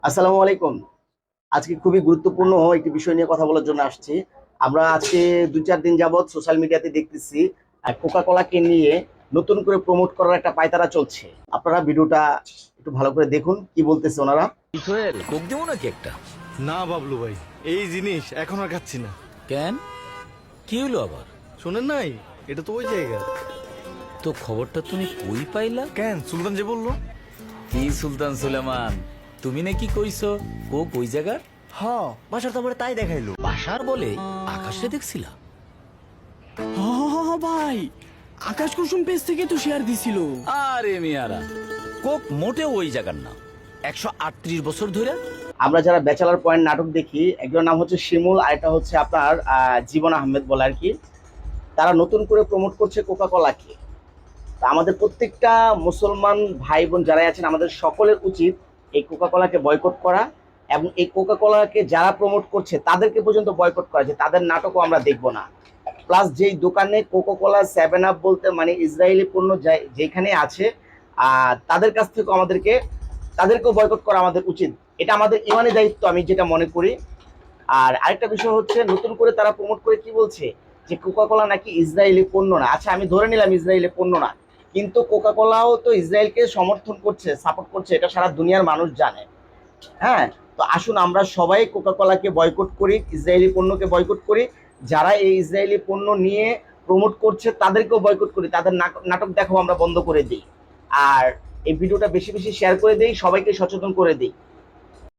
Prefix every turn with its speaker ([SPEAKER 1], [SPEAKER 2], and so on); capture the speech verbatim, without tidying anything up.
[SPEAKER 1] আসসালামু আলাইকুম। আজকে খুবই গুরুত্বপূর্ণ একটি বিষয় নিয়ে কথা বলার জন্য আসছি। আমরা আজকে দুই চার দিন যাবৎ সোশ্যাল মিডিয়াতে দেখতেছি কোকা কোলাকে নিয়ে নতুন করে প্রমোট করার একটা পায়তারা চলছে। আপনারা ভিডিওটা একটু ভালো করে দেখুন কি বলতেছে ওনারা।
[SPEAKER 2] সোহেল কোক দেবো নাকি একটা?
[SPEAKER 3] না বাবলু ভাই, এই জিনিস এখন আর খাচ্ছি না।
[SPEAKER 2] কেন, কি হলো আবার?
[SPEAKER 3] শোনেন নাই, এটা তো ওই জায়গা।
[SPEAKER 2] তো খবরটা তুমি কই পাইলা?
[SPEAKER 3] কেন, সুলতান যে বললো।
[SPEAKER 2] কি সুলতান সুলেমান, তুমি নাকি কইছো কোক ওই জায়গার?
[SPEAKER 4] হ, বাসার তো আমার তাই দেখাইলো।
[SPEAKER 2] বাসার বলে আকাশে দেখছিলা?
[SPEAKER 5] হ হ হ ভাই, আকাশ কুসুম পেজ থেকে তো শেয়ার দিছিল।
[SPEAKER 2] আরে মিয়ারা, কোক মোটে ওই জায়গার না। একশো আটত্রিশ বছর ধরে
[SPEAKER 1] আমরা যারা ব্যাচেলার পয়েন্ট নাটক দেখি, একজনের নাম হচ্ছে শিমুল আর এটা হচ্ছে আপনার আহ, জীবন আহমেদ বলে আর কি। তারা নতুন করে প্রমোট করছে কোকা কোলাকে। তা আমাদের প্রত্যেকটা মুসলমান ভাই বোন যারা আছেন আমাদের সকলের উচিত এই কোকা কোলাকে বয়কট করা এবং এই কোকা কোলাকে যারা প্রমোট করছে তাদেরকে পর্যন্ত বয়কট করা, যে তাদের নাটকও আমরা দেখব না। প্লাস যেই দোকানে কোকা কোলা সেভেন আপ বলতে মানে ইসরায়েলি পণ্য যেখানে আছে আহ তাদের কাছ থেকেও আমাদেরকে তাদেরকেও বয়কট করা আমাদের উচিত। এটা আমাদের ইমানি দায়িত্ব আমি যেটা মনে করি। আর আরেকটা বিষয় হচ্ছে নতুন করে তারা প্রমোট করে কি বলছে যে কোকা কোলা নাকি ইসরায়েলি পণ্য না। আচ্ছা, আমি ধরে নিলাম ইসরায়েলি পণ্য না, কিন্তু কোকা কোলাও তো ইসরায়েলকে সমর্থন করছে, সাপোর্ট করছে, এটা সারা দুনিয়ার মানুষ জানে। হ্যাঁ, তো আসুন আমরা সবাই কোকা কোলাকে বয়কট করি, ইসরায়েলি পণ্যকে বয়কট করি। যারা এই ইসরায়েলি পণ্য নিয়ে প্রমোট করছে তাদেরকেও বয়কট করি, তাদের নাটক দেখাও আমরা বন্ধ করে দিই। আর এই ভিডিওটা বেশি বেশি শেয়ার করে দিই, সবাইকে সচেতন করে দিই।